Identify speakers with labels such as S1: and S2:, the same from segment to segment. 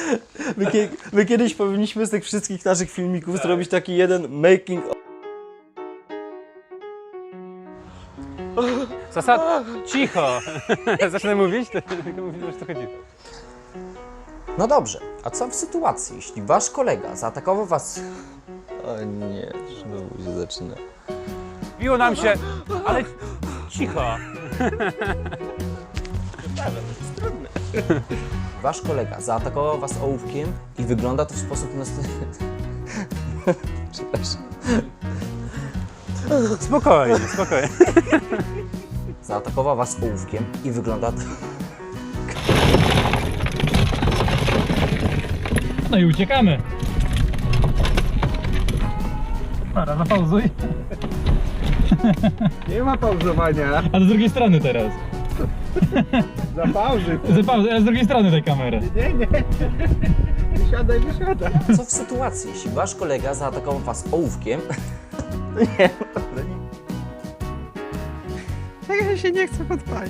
S1: My kiedyś powinniśmy z tych wszystkich naszych filmików zrobić taki jeden making of.
S2: Cicho! Zacznę mówić? Tylko mówię, że to chodzi.
S1: No dobrze, a co w sytuacji, jeśli wasz kolega zaatakował was... O nie, znowu się zaczyna.
S2: Biło nam się, ale cicho!
S1: Wasz kolega zaatakował was ołówkiem i wygląda to w sposób następujący. Przepraszam.
S2: Spokojnie, spokojnie.
S1: Zaatakował was ołówkiem i wygląda to...
S3: No i uciekamy. Para, zapauzuj.
S4: Nie ma pauzowania.
S3: A z drugiej strony teraz.
S4: Zapauzy.
S3: Zapauzuj, ale z drugiej strony tej kamery.
S4: Nie. Wysiadaj.
S1: Co w sytuacji, jeśli wasz kolega zaatakował was ołówkiem... Nie, naprawdę nie.
S4: Ja się nie chcę podpalić.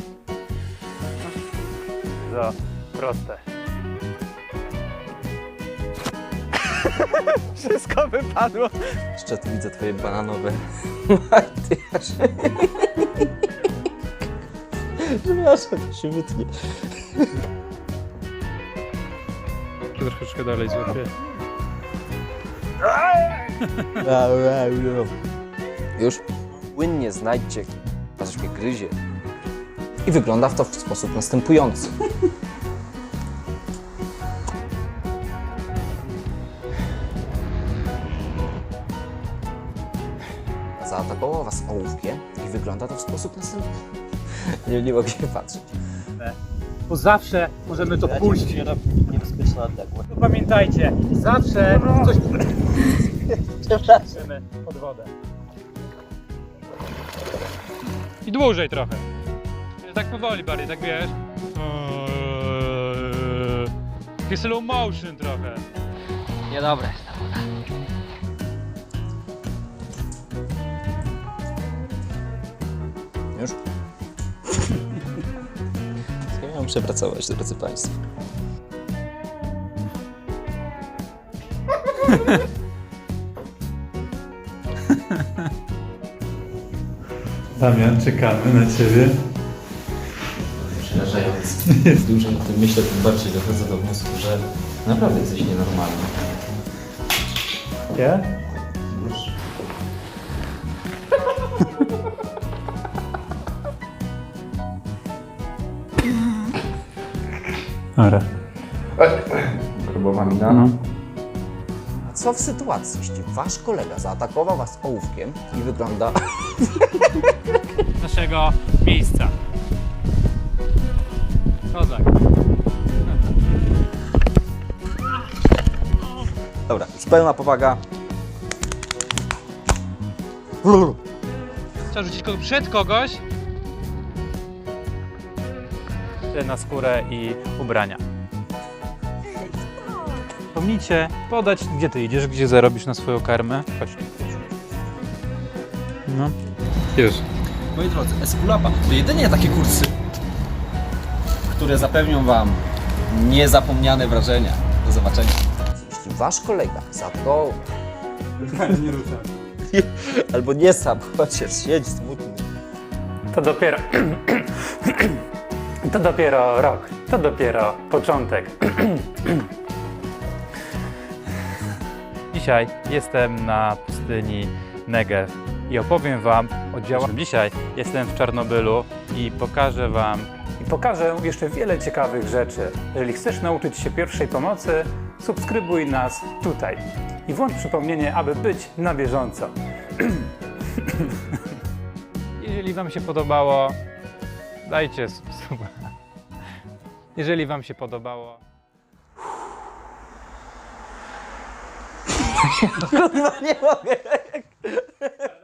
S2: Za proste.
S4: Wszystko wypadło.
S1: Jeszcze tu widzę twoje bananowe makijaże. Przepraszam, to się wytnie.
S2: Troszeczkę dalej złapię.
S1: Już płynnie znajdźcie, a coś mnie gryzie. I wygląda to w sposób następujący. Zaatakował was ołówkiem i wygląda to w sposób następujący. Nie mogę się patrzeć.
S2: Bo zawsze możemy to puścić.
S1: Niebezpieczna odległość.
S2: To pamiętajcie, zawsze coś puścimy pod wodę. I dłużej trochę. Tak powoli bardziej, tak wiesz. Taki slow motion trochę.
S5: Niedobre.
S1: Już? Ja miałem przepracować, drodzy Państwo.
S3: Damian, czekamy na ciebie.
S1: Przerażające. Dużo o tym myślę, tym bardziej dochodzę do wniosku, że naprawdę jesteś nienormalny.
S3: Ja?
S1: Już.
S3: Dobra.
S4: Grubowa mina.
S3: No.
S1: A co w sytuacji, jeśli wasz kolega zaatakował was ołówkiem i wygląda...
S2: Naszego miejsca. Kozak.
S1: Dobra, już pełna powaga.
S2: Trzeba rzucić kogoś przed kogoś. Na skórę i ubrania. Pomnijcie podać, gdzie ty idziesz, gdzie zarobisz na swoją karmę. Chodź tu. No. Już.
S6: Moi drodzy, Esculapa to jedynie takie kursy, które zapewnią Wam niezapomniane wrażenia. Do zobaczenia.
S1: Jeśli wasz kolega zaatakował...
S2: Nie ruszam.
S1: Albo nie sam, chociaż siedź smutny.
S2: To dopiero... To dopiero rok. To dopiero początek. Dzisiaj jestem na pustyni Negev i opowiem Wam o działaniu. Dzisiaj jestem w Czarnobylu i pokażę Wam jeszcze wiele ciekawych rzeczy. Jeżeli chcesz nauczyć się pierwszej pomocy, subskrybuj nas tutaj i włącz przypomnienie, aby być na bieżąco. Jeżeli Wam się podobało, dajcie suba. Jeżeli Wam się podobało...
S1: Kurwa, nie mogę.